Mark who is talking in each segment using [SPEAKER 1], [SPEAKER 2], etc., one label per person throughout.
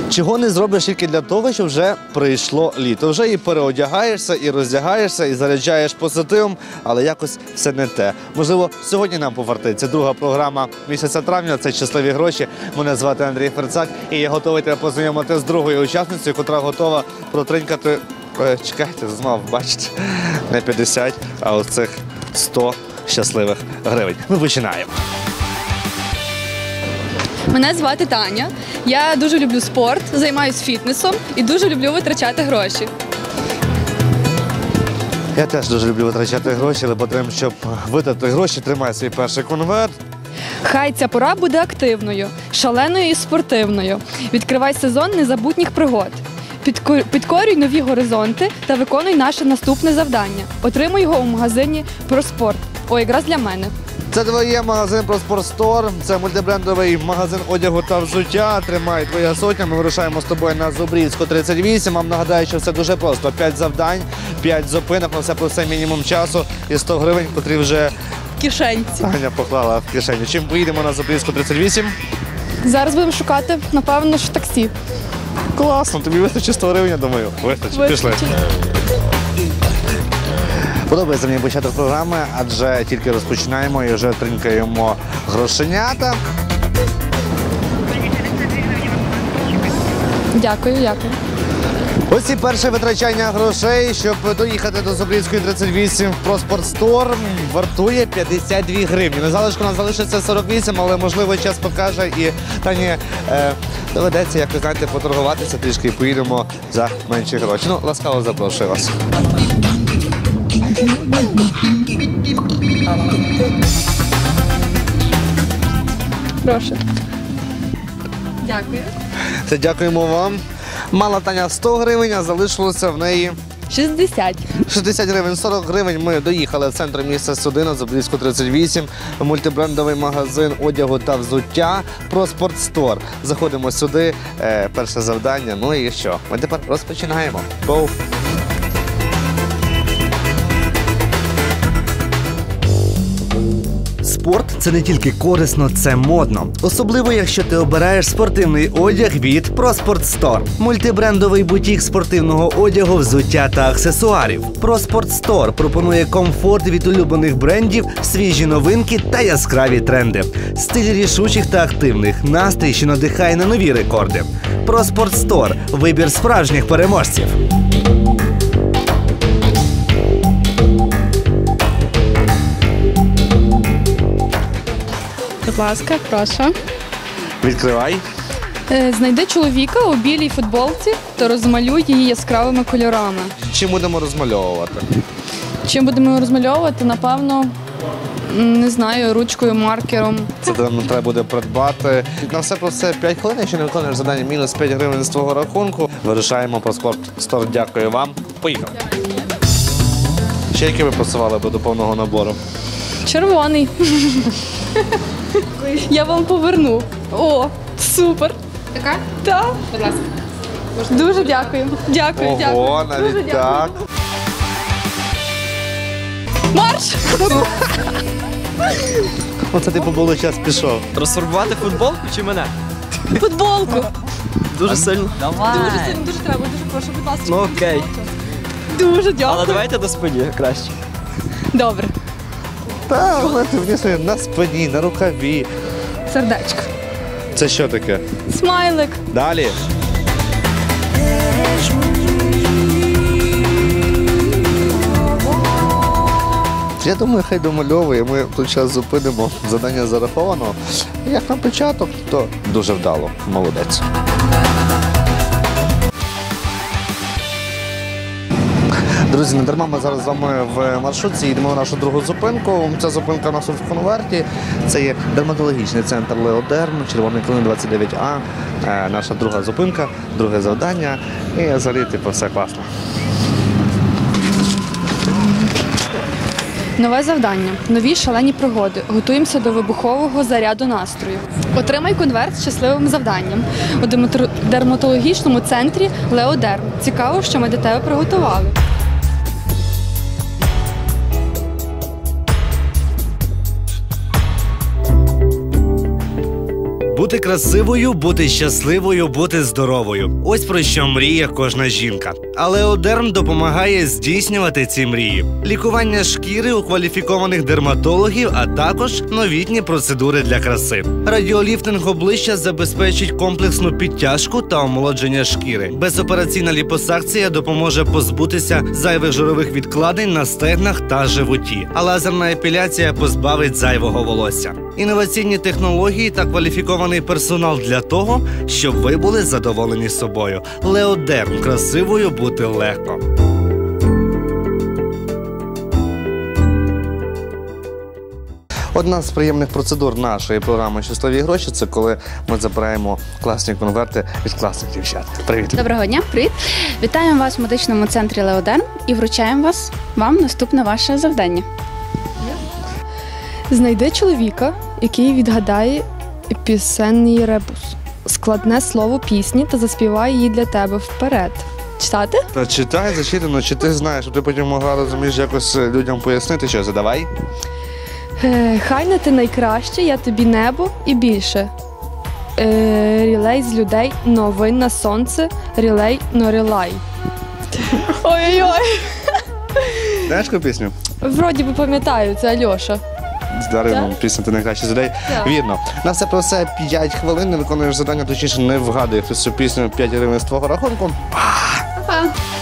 [SPEAKER 1] Чого не зробиш тільки для того, що вже прийшло літо. Вже і переодягаєшся, і роздягаєшся, і заряджаєш позитивом, але якось все не те. Можливо, сьогодні нам повартиться. Друга програма місяця травня – це «Щасливі гроші». Мене звати Андрій Ферцак, і я готовий тебе познайомити з другою учасницею, яка готова протринькати, чекайте, знову, бачите, не 50, а оцих 100 щасливих гривень. Ми починаємо.
[SPEAKER 2] Мене звати Таня. Я дуже люблю спорт, займаюся фітнесом і дуже люблю витрачати гроші.
[SPEAKER 1] Я теж дуже люблю витрачати гроші, але потрібно, щоб витратити гроші, тримай свій перший конверт.
[SPEAKER 2] Хай ця пора буде активною, шаленою і спортивною. Відкривай сезон незабутніх пригод. Підкорюй нові горизонти та виконуй наше наступне завдання. Отримуй його у магазині «Проспорт». О, якраз для мене.
[SPEAKER 1] Це твоє магазин «Проспорт Стор», це мультибрендовий магазин одягу та взуття. Тримай твоя сотня, ми вирушаємо з тобою на Зубрівську, 38. Вам нагадаю, що все дуже просто. 5 завдань, 5 зупинок, на все про все мінімум часу і 100 гривень, котрі вже
[SPEAKER 2] В кишенці.
[SPEAKER 1] Таня поклала в кишеню. Чим поїдемо на Зубрівську, 38?
[SPEAKER 2] Зараз будемо шукати, напевно, що таксі.
[SPEAKER 1] Класно, тобі вистачить 100 гривень, я думаю. Вистачить. Пішли. Подобається мені початок програми, адже тільки розпочинаємо і вже тринькаємо грошенята.
[SPEAKER 2] Дякую, дякую.
[SPEAKER 1] Ось і перше витрачання грошей, щоб доїхати до Зубрівської 38 в «Проспорт Стор», вартує 52 гривні. На залишку у нас залишиться 48, але, можливо, час покаже і Тані доведеться, як ви знаєте, поторгуватися трішки і поїдемо за менші гроші. Ну, ласкаво запрошую вас.
[SPEAKER 2] Прошу. Дякую.
[SPEAKER 1] Це дякуємо вам. Мала Таня 100 гривень, а залишилося в неї
[SPEAKER 2] 60.
[SPEAKER 1] 60 гривень, 40 гривень. Ми доїхали в центр міста Судина, Зубрівську 38, мультибрендовий магазин одягу та взуття «Проспорт Стор». Заходимо сюди, перше завдання, ну і що? Ми тепер розпочинаємо. Гоу! Спорт – це не тільки корисно, це модно. Особливо, якщо ти обираєш спортивний одяг від «Проспорт Стор». Мультибрендовий бутік спортивного одягу, взуття та аксесуарів. «Проспорт Стор» пропонує комфорт від улюблених брендів, свіжі новинки та яскраві тренди. Стиль рішучих та активних, настрій, що надихає на нові рекорди. «Проспорт Стор» – вибір справжніх переможців.
[SPEAKER 2] Будь ласка, прошу.
[SPEAKER 1] Відкривай.
[SPEAKER 2] Знайди чоловіка у білій футболці та розмалюй її яскравими кольорами.
[SPEAKER 1] Чим будемо розмальовувати?
[SPEAKER 2] Чим будемо розмальовувати? Напевно, не знаю, ручкою, маркером.
[SPEAKER 1] Це нам треба буде придбати. На все про все 5 хвилин, якщо не виконуєш завдання, мінус 5 гривень з твого рахунку. Вирушаємо «Проспорт Стор». Дякую вам. Поїхали. Ще які ви просували би до повного набору?
[SPEAKER 2] Червоний. Я вам поверну. О, супер.
[SPEAKER 3] Така?
[SPEAKER 2] Так.
[SPEAKER 3] Будь ласка.
[SPEAKER 2] Дуже дякую. Дякую,
[SPEAKER 1] Ого,
[SPEAKER 2] дякую.
[SPEAKER 1] навіть
[SPEAKER 2] Дуже
[SPEAKER 1] так.
[SPEAKER 2] дякую. Марш!
[SPEAKER 1] Оце ти побуло час пішов.
[SPEAKER 4] Трансформувати футболку чи мене?
[SPEAKER 2] Футболку.
[SPEAKER 4] Дуже сильно.
[SPEAKER 2] Дуже сильно, дуже треба, дуже прошу, будь ласка.
[SPEAKER 4] Ну окей.
[SPEAKER 2] Дуже дякую.
[SPEAKER 4] Але давайте до спині краще.
[SPEAKER 2] Добре.
[SPEAKER 1] Та, але ти внесли на спині, на рукаві.
[SPEAKER 2] Сердечко.
[SPEAKER 1] Це що таке?
[SPEAKER 2] Смайлик.
[SPEAKER 1] Далі. Я думаю, хай домальовує, ми тут час зупинимо. Завдання зараховано. Як на початок, то дуже вдало. Молодець. Друзі, не дарма ми зараз з вами в маршрутці їдемо на нашу другу зупинку. Ця зупинка у нас тут в конверті. Це є дерматологічний центр «Леодерм», Червоний Клин 29А. Наша друга зупинка, друге завдання. І взагалі, типу, все класно.
[SPEAKER 2] Нове завдання. Нові шалені пригоди. Готуємося до вибухового заряду настрою. Отримай конверт з щасливим завданням. У дерматологічному центрі «Леодерм». Цікаво, що ми для тебе приготували.
[SPEAKER 1] Бути красивою, бути щасливою, бути здоровою. Ось про що мріє кожна жінка. Але Леодерм допомагає здійснювати ці мрії. Лікування шкіри у кваліфікованих дерматологів, а також новітні процедури для краси. Радіоліфтинг обличчя забезпечить комплексну підтяжку та омолодження шкіри. Безопераційна ліпосакція допоможе позбутися зайвих жирових відкладень на стегнах та животі. А лазерна епіляція позбавить зайвого волосся. Інноваційні технології та кваліфікований персонал для того, щоб ви були задоволені собою. Леодерм. Красивою бути легко. Одна з приємних процедур нашої програми «Щасливі гроші» – це коли ми забираємо класні конверти від класних дівчат. Привіт!
[SPEAKER 3] Доброго дня, привіт! Вітаємо вас в медичному центрі Леодерм і вручаємо вам наступне ваше завдання.
[SPEAKER 2] Знайди чоловіка, який відгадає пісенний ребус. Складне слово пісні та заспіває її для тебе вперед. Читати?
[SPEAKER 1] Та читай, зачитано, чи ти знаєш, щоб ти потім могла, розумієш, якось людям пояснити, що задавай.
[SPEAKER 2] Хай не ти найкраще, я тобі небо і більше. Рілей з людей, новин на сонце, рілей, рілай. Ой-ой-ой.
[SPEAKER 1] Знаєш яку пісню?
[SPEAKER 2] Вроді би пам'ятаю, це Альоша.
[SPEAKER 1] Дарину, пісня «Ти найкращий з людей».
[SPEAKER 2] Так.
[SPEAKER 1] Вірно. На все про все 5 хвилин, не виконуєш завдання, точніше не вгадує хтось цю пісню 5 гривень з твого рахунку.
[SPEAKER 3] Па!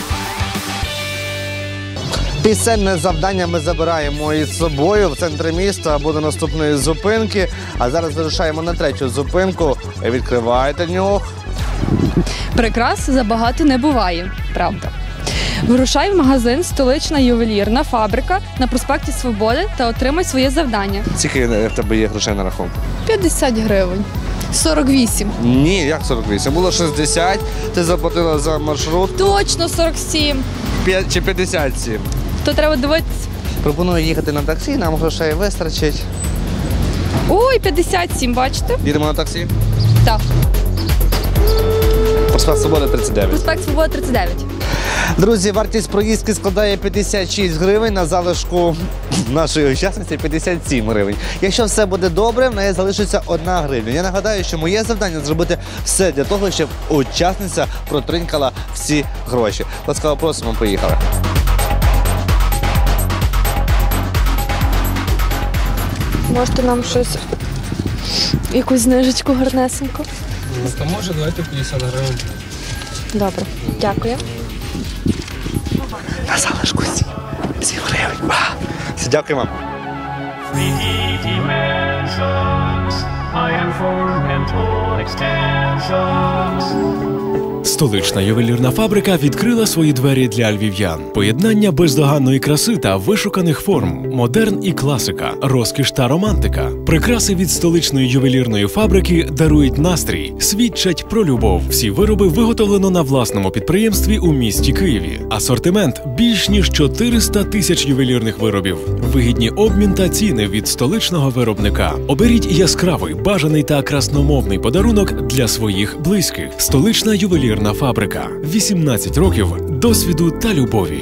[SPEAKER 1] Пісенне завдання ми забираємо із собою в центрі міста або до наступної зупинки. А зараз вирушаємо на 3-ю зупинку. Відкривайте нюх.
[SPEAKER 2] Прикрас забагато не буває, правда. Вирушай в магазин «Столична ювелірна фабрика» на проспекті Свободи та отримай своє завдання.
[SPEAKER 1] Скільки в тебе є грошей на рахунку?
[SPEAKER 2] 50 гривень. 48.
[SPEAKER 1] Ні, як 48? Було 60, ти заплатила за маршрут.
[SPEAKER 2] Точно 47.
[SPEAKER 1] 5 чи 57.
[SPEAKER 2] То треба дивитися.
[SPEAKER 1] Пропоную їхати на таксі, нам грошей вистачить.
[SPEAKER 2] Ой, 57, бачите?
[SPEAKER 1] Їдемо на таксі?
[SPEAKER 2] Так.
[SPEAKER 1] Проспект Свободи 39.
[SPEAKER 2] Проспект Свободи 39.
[SPEAKER 1] Друзі, вартість проїздки складає 56 гривень, на залишку нашої учасниці 57 гривень. Якщо все буде добре, в неї залишиться 1 гривня. Я нагадаю, що моє завдання зробити все для того, щоб учасниця протринькала всі гроші. Ласкаво просимо, поїхали.
[SPEAKER 2] Можете нам щось, якусь знижечку гарнесеньку?
[SPEAKER 5] То може, давайте 50 гривень.
[SPEAKER 2] Добре, дякую.
[SPEAKER 1] На залишку 7 гривень. Все, дякую вам.
[SPEAKER 6] Dimensions, I am for mental extensions.
[SPEAKER 7] Столична ювелірна фабрика відкрила свої двері для львів'ян. Поєднання бездоганної краси та вишуканих форм, модерн і класика, розкіш та романтика. Прикраси від столичної ювелірної фабрики дарують настрій, свідчать про любов. Всі вироби виготовлено на власному підприємстві у місті Києві. Асортимент більш ніж 400 тисяч ювелірних виробів. Вигідні обмін та ціни від столичного виробника. Оберіть яскравий, бажаний та красномовний подарунок для своїх близьких. Столична ювелірна фабрика. 18 років досвіду та любові.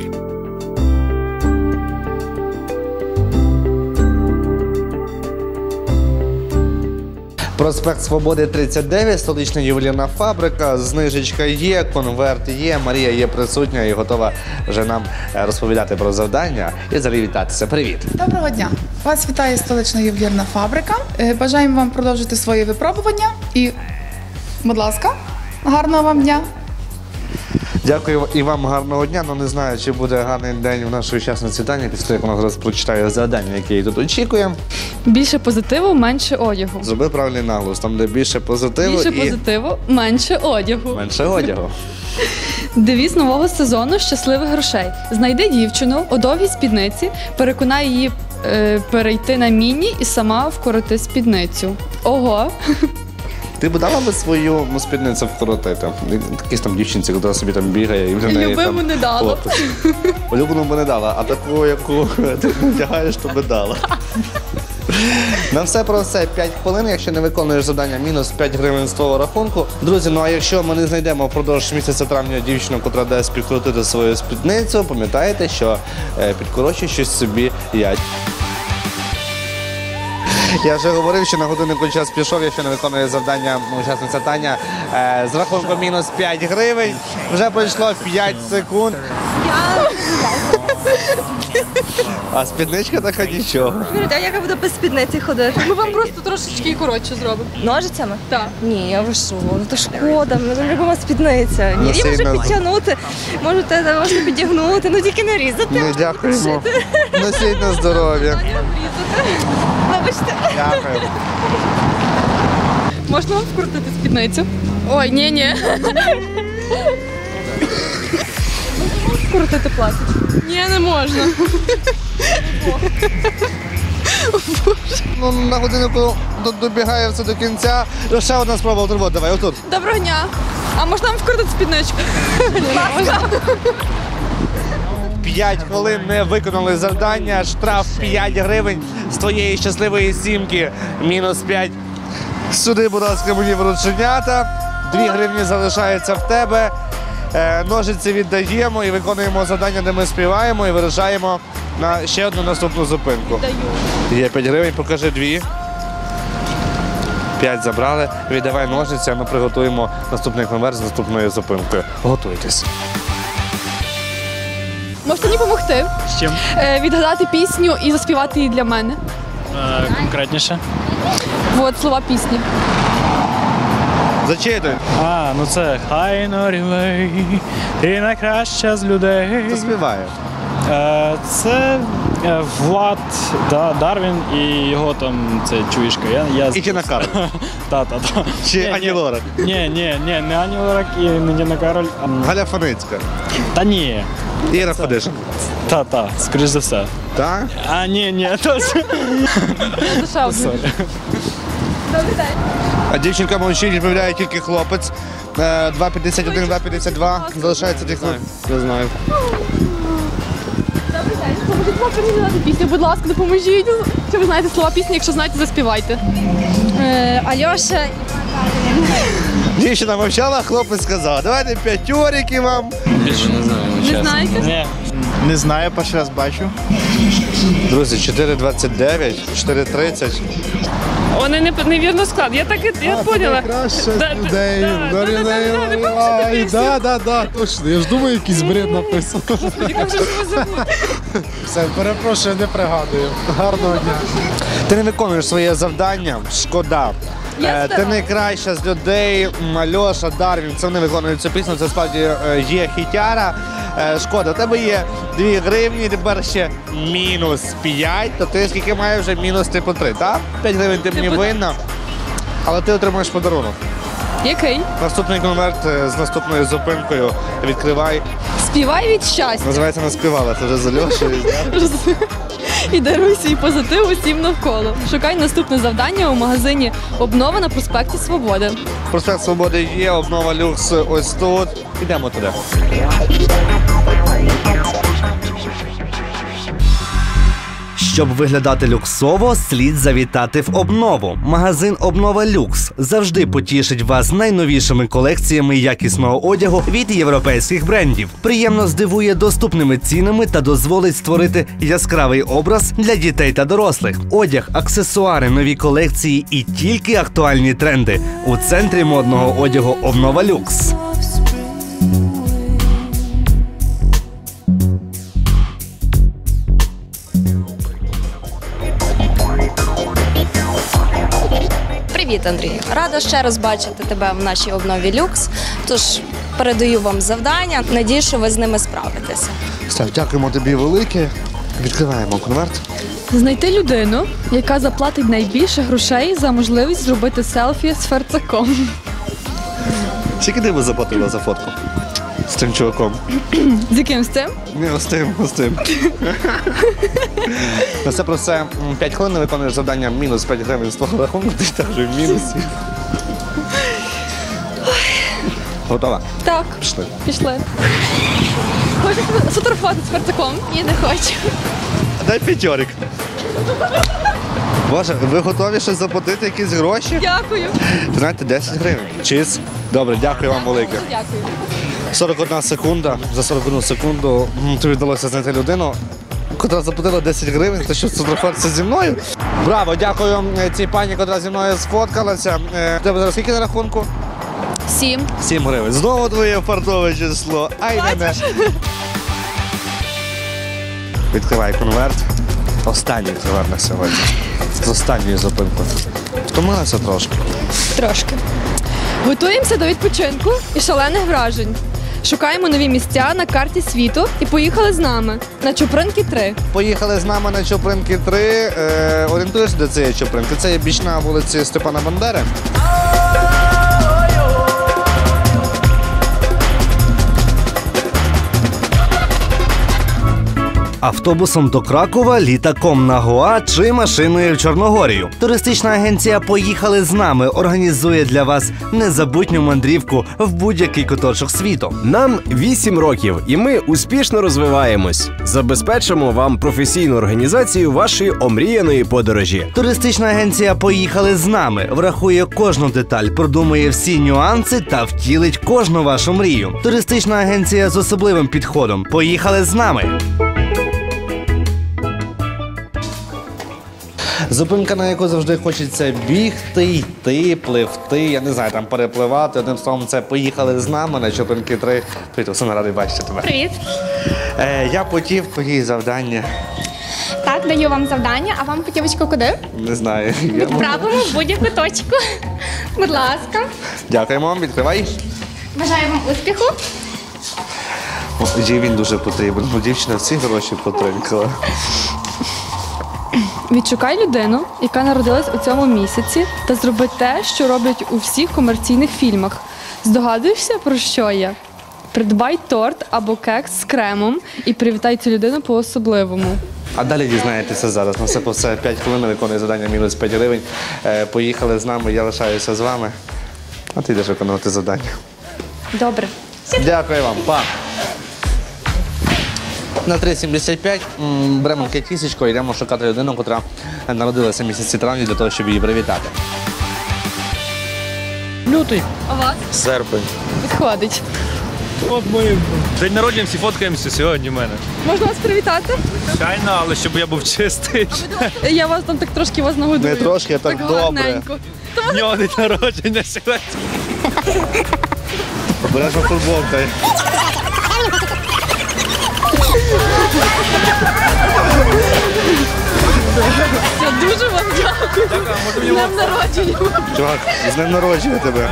[SPEAKER 1] Проспект Свободи 39, столична ювелірна фабрика, знижечка є, конверт є, Марія є присутня і готова вже нам розповідати про завдання і взагалі вітатися. Привіт!
[SPEAKER 8] Доброго дня! Вас вітає столична ювелірна фабрика. Бажаємо вам продовжити свої випробування і, будь ласка, гарного вам дня!
[SPEAKER 1] Дякую і вам гарного дня. Ну не знаю, чи буде гарний день в нашої учасниці Тані, після того, як вона зараз прочитає завдання, яке її тут очікує.
[SPEAKER 2] Більше позитиву, менше одягу.
[SPEAKER 1] Зроби правильний наголос, там де більше позитиву
[SPEAKER 2] Більше
[SPEAKER 1] і
[SPEAKER 2] позитиву, менше одягу.
[SPEAKER 1] менше одягу.
[SPEAKER 2] Девіз нового сезону щасливих грошей. Знайди дівчину у довгій спідниці, переконай її перейти на міні і сама вкороти спідницю. Ого!
[SPEAKER 1] Ти б дала би свою спідницю вкоротити? Якісь там дівчинці, яка собі там бігає і в неї
[SPEAKER 2] Любиму
[SPEAKER 1] там
[SPEAKER 2] не дала.
[SPEAKER 1] хлопець. Улюблену б не дала, а таку, яку ти вдягаєш, то би дала. На все про все 5 хвилин. Якщо не виконуєш завдання, мінус 5 гривень з твого рахунку. Друзі, ну а якщо ми не знайдемо впродовж місяця травня дівчину, котра дасть підкрутити свою спідницю, пам'ятайте, що підкорочує щось собі ять. Я вже говорив, що на годиннику час пішов, якщо не виконує завдання учасниця Таня. З рахунком мінус 5 гривень. Вже пройшло 5 секунд. А спідничка така нічого.
[SPEAKER 9] А як я буду без спідниці ходити?
[SPEAKER 2] Ми вам просто трошечки коротше зробимо.
[SPEAKER 9] Ножицями?
[SPEAKER 2] Так.
[SPEAKER 9] Ні, я ви що? Ну то шкода, мене любима спідниця. Ні, я можу
[SPEAKER 1] сильно.
[SPEAKER 9] підтягнути, можна підігнути, ну тільки не різати.
[SPEAKER 1] Не дякуємо. Носіть на здоров'я.
[SPEAKER 9] Вибачте.
[SPEAKER 1] Дякую.
[SPEAKER 2] Можна вам вкрутити спідницю? Ой, ні. Вкрутити платить? Ні, не можна.
[SPEAKER 1] Ну, на годиннику добігає все до кінця. Ще одна спроба отримати. Давай, отут.
[SPEAKER 2] Доброго дня. А можна вам вкрутити спідничку?
[SPEAKER 1] 5 хвилин не виконали завдання, штраф 5 гривень з твоєї щасливої сімки, мінус 5. Сюди, будь ласка, мені врученята. 2 гривні залишаються в тебе. Ножиці віддаємо і виконуємо завдання, де ми співаємо і вирушаємо на ще одну наступну зупинку. Є 5 гривень, покажи 2. 5 забрали. Віддавай ножиці, а ми приготуємо наступний конверт з наступною зупинкою. Готуйтесь.
[SPEAKER 2] Можете мені допомогти?
[SPEAKER 4] З чим?
[SPEAKER 2] Відгадати пісню і заспівати її для мене.
[SPEAKER 10] Конкретніше.
[SPEAKER 2] От слова пісні.
[SPEAKER 1] Зачитуй.
[SPEAKER 10] Ну це хай Норвей, ти найкраща з людей.
[SPEAKER 1] Хто співає?
[SPEAKER 10] Це Влад Дарвін і його там це чуєшка.
[SPEAKER 1] І Тіна Кароль.
[SPEAKER 10] Та.
[SPEAKER 1] Чи Ані Лорак?
[SPEAKER 10] Ні, не Ані Лорак і не Тіна Кароль.
[SPEAKER 1] Галя Фаницька.
[SPEAKER 10] Та ні.
[SPEAKER 1] Іра Фадишин.
[SPEAKER 10] Та, скоріш за все.
[SPEAKER 1] Так?
[SPEAKER 10] Ні, точно.
[SPEAKER 2] Душевно.
[SPEAKER 1] А дівчинка мовчить, відповідає тільки хлопець. 2,51, 2,52. Залишається тих хвилин.
[SPEAKER 10] Не знаю.
[SPEAKER 2] Допоможіть вам переглядати пісню, будь ласка, допоможіть. Чи ви знаєте слова пісні, якщо знаєте, заспівайте.
[SPEAKER 9] Альоша.
[SPEAKER 1] Дівчина мовчала, хлопець сказав. Давайте 5 вам.
[SPEAKER 5] Більше не знаю,
[SPEAKER 2] Не
[SPEAKER 5] чесно.
[SPEAKER 2] знаєте?
[SPEAKER 10] Ні. Не знаю, перший раз бачу.
[SPEAKER 1] Друзі, 4,29, 4,30.
[SPEAKER 11] Вони невірно склад. Я так я поняла.
[SPEAKER 12] Да, точно. Я ж думаю, якийсь бред написано.
[SPEAKER 11] Як же ж ви забули?
[SPEAKER 12] Все, перепрошую, не пригадую. Гарного дня.
[SPEAKER 1] Ти не виконуєш своє завдання, шкода. Ти найкраща з людей, Альоша, Дарвін, це вони виконують цю пісню, це справді є хітяра. Шкода, у тебе є 2 гривні, тепер ще мінус 5, то ти скільки маєш вже мінус типу 3, так? 5 гривень ти мені винна, але ти отримаєш подарунок.
[SPEAKER 2] Який?
[SPEAKER 1] Наступний конверт з наступною зупинкою відкривай.
[SPEAKER 2] Співай від щастя.
[SPEAKER 1] Називається «Не співала», це вже з Альошею.
[SPEAKER 2] І даруй свій позитив усім навколо. Шукай наступне завдання у магазині «Обнова» на проспекті Свободи.
[SPEAKER 1] Проспект Свободи є, обнова люкс ось тут. Ідемо туди.
[SPEAKER 13] Щоб виглядати люксово, слід завітати в обнову. Магазин «Обнова Люкс» завжди потішить вас найновішими колекціями якісного одягу від європейських брендів. Приємно здивує доступними цінами та дозволить створити яскравий образ для дітей та дорослих. Одяг, аксесуари, нові колекції і тільки актуальні тренди. У центрі модного одягу «Обнова Люкс».
[SPEAKER 9] Привіт, Андрій. Рада ще раз бачити тебе в нашій обнові люкс. Тож передаю вам завдання. Надію, що ви з ними справитеся.
[SPEAKER 1] Став, дякуємо тобі велике. Відкриваємо конверт.
[SPEAKER 2] Знайти людину, яка заплатить найбільше грошей за можливість зробити селфі з ферцаком.
[SPEAKER 1] Скільки ти би заплатила за фотку з тим чуваком?
[SPEAKER 2] З яким з цим?
[SPEAKER 1] Не, з тим. На все про все 5 хвилин виконуєш завдання мінус 5 гривень з твого рахунку, ти теж в мінусі. Готова?
[SPEAKER 2] Так.
[SPEAKER 1] Пішли.
[SPEAKER 2] Пішли. Хочете сфотографувати з ферцаком? Ні, не хочу.
[SPEAKER 1] Дай 5. Боже, ви готові ще заплатити якісь гроші?
[SPEAKER 2] Дякую.
[SPEAKER 1] Ви знаєте, 10 гривень. Чиз. Добре, дякую вам велике.
[SPEAKER 2] Дякую.
[SPEAKER 1] 41 секунда. За 41 секунду тобі вдалося знайти людину, котра заплатила 10 гривень, та що сфотографуватися зі мною. Браво, дякую цій пані, котра зі мною сфоткалася. Тебе зараз скільки на рахунку?
[SPEAKER 2] 7.
[SPEAKER 1] 7 гривень. Знову твоє фартове число. Ай, не. Відкривай конверт. Останній конверт на сьогодні. З останньою зупинкою. Втомилася трошки.
[SPEAKER 2] Трошки. Готуємося до відпочинку і шалених вражень. Шукаємо нові місця на карті світу і поїхали з нами на Чупринки 3.
[SPEAKER 1] Поїхали з нами на Чупринки 3. Орієнтуєш, де це є Чупринки? Це є бічна вулиці Степана Бандери.
[SPEAKER 13] Автобусом до Кракова, літаком на Гоа чи машиною в Чорногорію. Туристична агенція «Поїхали з нами» організує для вас незабутню мандрівку в будь-який куточок світу.
[SPEAKER 14] Нам 8 років, і ми успішно розвиваємось. Забезпечимо вам професійну організацію вашої омріяної подорожі.
[SPEAKER 13] Туристична агенція «Поїхали з нами» врахує кожну деталь, продумує всі нюанси та втілить кожну вашу мрію. Туристична агенція з особливим підходом. «Поїхали з нами».
[SPEAKER 1] Зупинка, на яку завжди хочеться бігти, йти, пливти, я не знаю, там перепливати. Одним словом, це «Поїхали з нами» на Чупринки 3. Привіт, Оксана, радий бачити тебе.
[SPEAKER 15] Привіт.
[SPEAKER 1] Я потів, твої завдання.
[SPEAKER 15] Так, даю вам завдання, а вам путівочку куди?
[SPEAKER 1] Не знаю.
[SPEAKER 15] Відправимо в будь-яку точку. Будь ласка.
[SPEAKER 1] Дякуємо вам, відкривай.
[SPEAKER 15] Бажаю вам успіху.
[SPEAKER 1] Їй він дуже потрібен, бо дівчина всі гроші потринкала.
[SPEAKER 2] Відшукай людину, яка народилась у цьому місяці, та зроби те, що роблять у всіх комерційних фільмах. Здогадуєшся, про що я? Придбай торт або кекс з кремом і привітай цю людину по-особливому.
[SPEAKER 1] А далі дізнаєтеся зараз. На все по все 5 хвилин виконує завдання мінус 5 гривень. Поїхали з нами, я лишаюся з вами. А ти йдеш виконувати завдання.
[SPEAKER 2] Добре.
[SPEAKER 1] Дякую вам, па. На 3,75 беремо кисечко і йдемо шукати людину, яка народилася в місяці травня для того, щоб її привітати.
[SPEAKER 10] Лютий.
[SPEAKER 2] А вас?
[SPEAKER 10] Серпень.
[SPEAKER 2] Підходить.
[SPEAKER 10] От ми день народження, всі фоткаємося сьогодні в мене.
[SPEAKER 2] Можна вас привітати?
[SPEAKER 10] Звичайно, але щоб я був чистий.
[SPEAKER 2] Я вас там так трошки вас нагодую.
[SPEAKER 1] Не трошки, а так добре.
[SPEAKER 2] гарненько.
[SPEAKER 10] В нього день народження сьогодні.
[SPEAKER 1] Обережно футболка.
[SPEAKER 2] Я дуже вам дякую. З днем народження.
[SPEAKER 1] Чувак, з днем народження тебе.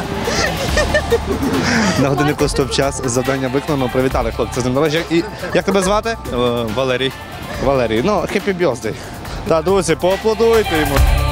[SPEAKER 1] На годиннику стоп-час, завдання виконано, привітали хлопця з днем народження. І як тебе звати?
[SPEAKER 10] Валерій.
[SPEAKER 1] Валерій. Ну, happy birthday. Та, друзі, поаплодуйте йому.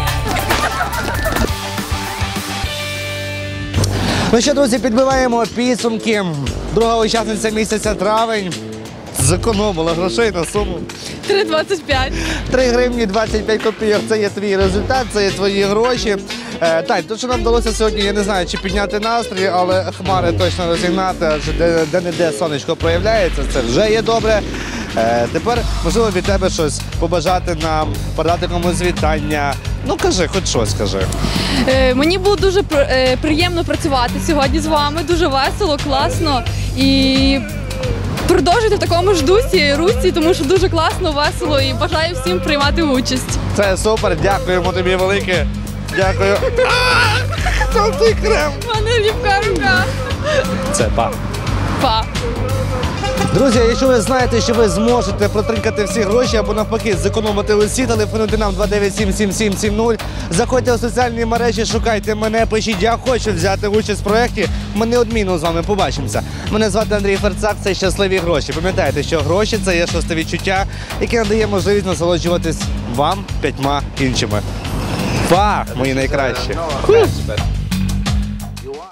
[SPEAKER 1] Ну що, друзі, підбиваємо підсумки. Друга учасниця місяця травень зекономила грошей на суму
[SPEAKER 2] 3,25.
[SPEAKER 1] 3 гривні 25 копійок. Це є твій результат, це є твої гроші. Так, то, що нам вдалося сьогодні, я не знаю, чи підняти настрій, але хмари точно розігнати, адже де-не-де сонечко проявляється, це вже є добре. Тепер, можливо, від тебе щось побажати нам, передати комусь вітання. Ну, кажи, хоч щось кажи.
[SPEAKER 2] Мені було дуже приємно працювати сьогодні з вами, дуже весело, класно. І продовжуйте в такому ж дусі, русі, тому що дуже класно, весело і бажаю всім приймати участь.
[SPEAKER 1] Це супер, дякуємо тобі велике. Дякую. Там той крем.
[SPEAKER 2] У мене ліпка рука.
[SPEAKER 1] Це па.
[SPEAKER 2] Па.
[SPEAKER 1] Друзі, якщо ви знаєте, що ви зможете протринкати всі гроші або навпаки зекономити усі, телефонуйте нам 297-7770. Заходьте у соціальні мережі, шукайте мене, пишіть, я хочу взяти участь в проєкті. Ми неодмінно з вами побачимося. Мене звати Андрій Ферцак, це «Щасливі гроші». Пам'ятайте, що гроші – це є шосте відчуття, яке надає можливість насолоджуватись вам 5 іншими. Па, мої найкращі.